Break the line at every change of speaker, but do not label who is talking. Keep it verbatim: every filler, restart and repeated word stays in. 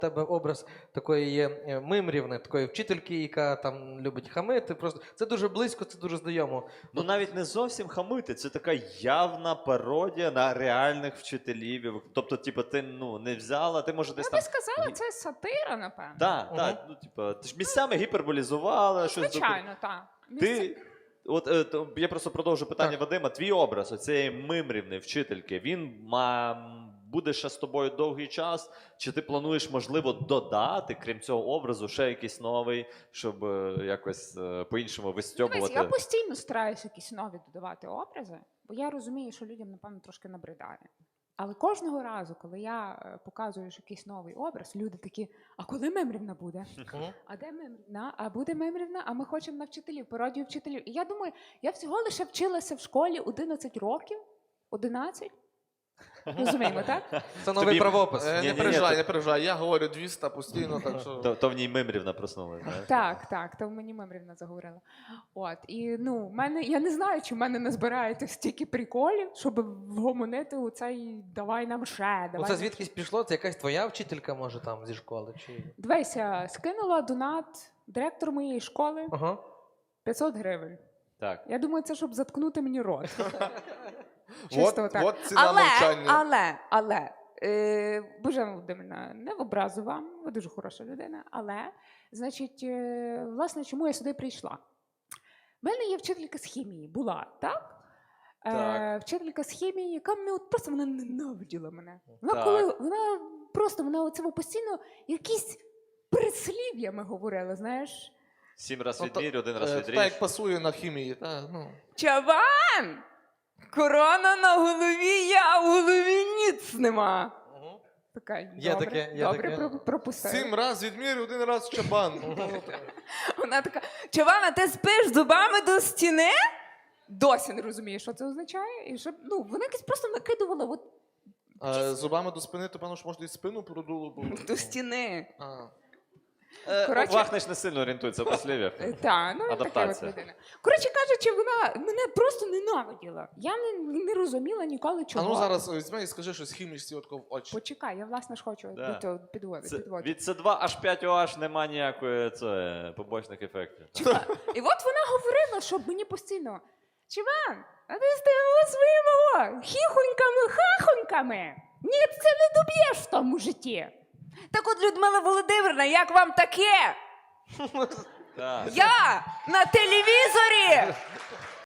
тебе образ такої є мимрівни, такої вчительки, яка там любить хамити. Просто це дуже близько, це дуже знайомо.
Ну навіть не зовсім хамити, це така явна пародія на реальних вчителів. Тобто, типу, ти ну не взяла, ти може десь
Я
там.
би сказала, це сатира, напевно.
Так,
Мгм.
так, ну типу, ти ж місцями гіперболізувала, щось.
Звичайно, так.
Ти, от е, то, я просто продовжу питання
Так.
Вадима. Твій образ оцієї мимрівни вчительки, він ма, буде ще з тобою довгий час? Чи ти плануєш, можливо, додати, крім цього образу, ще якийсь новий, щоб е, якось е, по-іншому вистьобувати?
Дивись, я постійно стараюся якісь нові додавати образи, бо я розумію, що людям, напевно, трошки набридає. Але кожного разу, коли я е, показую що якийсь новий образ, люди такі, а коли мемрівна буде?
Мгм.
А де мемрівна? А буде мемрівна? А ми хочемо на вчителів, пародію вчителів. І я думаю, я всього лише вчилася в школі одинадцять років, одинадцять. Розуміємо, так?
Це новий
Тобі-
правопис.
Е,
Ні,
Не
ні,
переживай,
ні,
не переживай. Я говорю двісті постійно, так що...
То, то в ній мимрівна проснулася. знаєш?
Так, так, то мені мемрівна заговорила. От, і ну, в мене, я не знаю, чи в мене не збирається стільки приколів, щоб вгомонити у цей «давай нам ще», «давай
Ну,
нам
це
ще».
звідкись пішло? Це якась твоя вчителька, може, там зі школи? Чи...
Дивися, скинула донат директор моєї школи
Ага.
п'ятсот гривень.
Так.
Я думаю, це щоб заткнути мені рот.
От,
Чисто так.
от ціна
Але,
мовчання.
але, але, е, Божена Володимирівна, не в образу вам, ви дуже хороша людина, але, значить, е, власне, чому я сюди прийшла? У мене є вчителька з хімії, була, так? Е,
Так.
вчителька з хімії, яка мене от просто вона ненавиділа мене. Вона
Так.
коли вона просто вона оце постійно якісь прислів'ями говорила, знаєш.
Сім раз
Ну, та-
відмірю, один раз
Е,
відріж.
Так як пасує на хімії. Та, ну.
Чаван! Корона на голові, я в голові ніц нема.
Мгм.
Така,
Є
добре,
таке, є
добре
таке.
про- пропустила.
Сім раз відмірю, один раз чабан.
Вона така, Чавана, ти спиш зубами до стіни? Досі не розуміє, що це означає. І щоб, ну, вона якось просто накидувала от,
А зубами до спини, то певно, що можна і спину продуло. Бо...
до стіни.
А.
Е,
Коротше-
Вахнич не сильно орієнтується в послів'ях.
Е, Так, ну така от
Адаптація.
людина. Коротше кажучи, вона мене просто ненавиділа. Я не, не розуміла ніколи,
А
чого.
ну зараз візьми і скажи щось хімічці отко в очі.
Почекай, я власне ж хочу
Да.
до цього підводити.
Це,
підводити.
від С два аж п'ять О Аш нема ніякої це, побочних ефектів.
І от вона говорила, що мені постійно: Чиван, а ти з тими своїми о, хіхоньками, хахоньками. Ні, ти це не доб'єш в тому житті. Так от, Людмила Володимирівна, як вам таке?
Так.
Я на телевізорі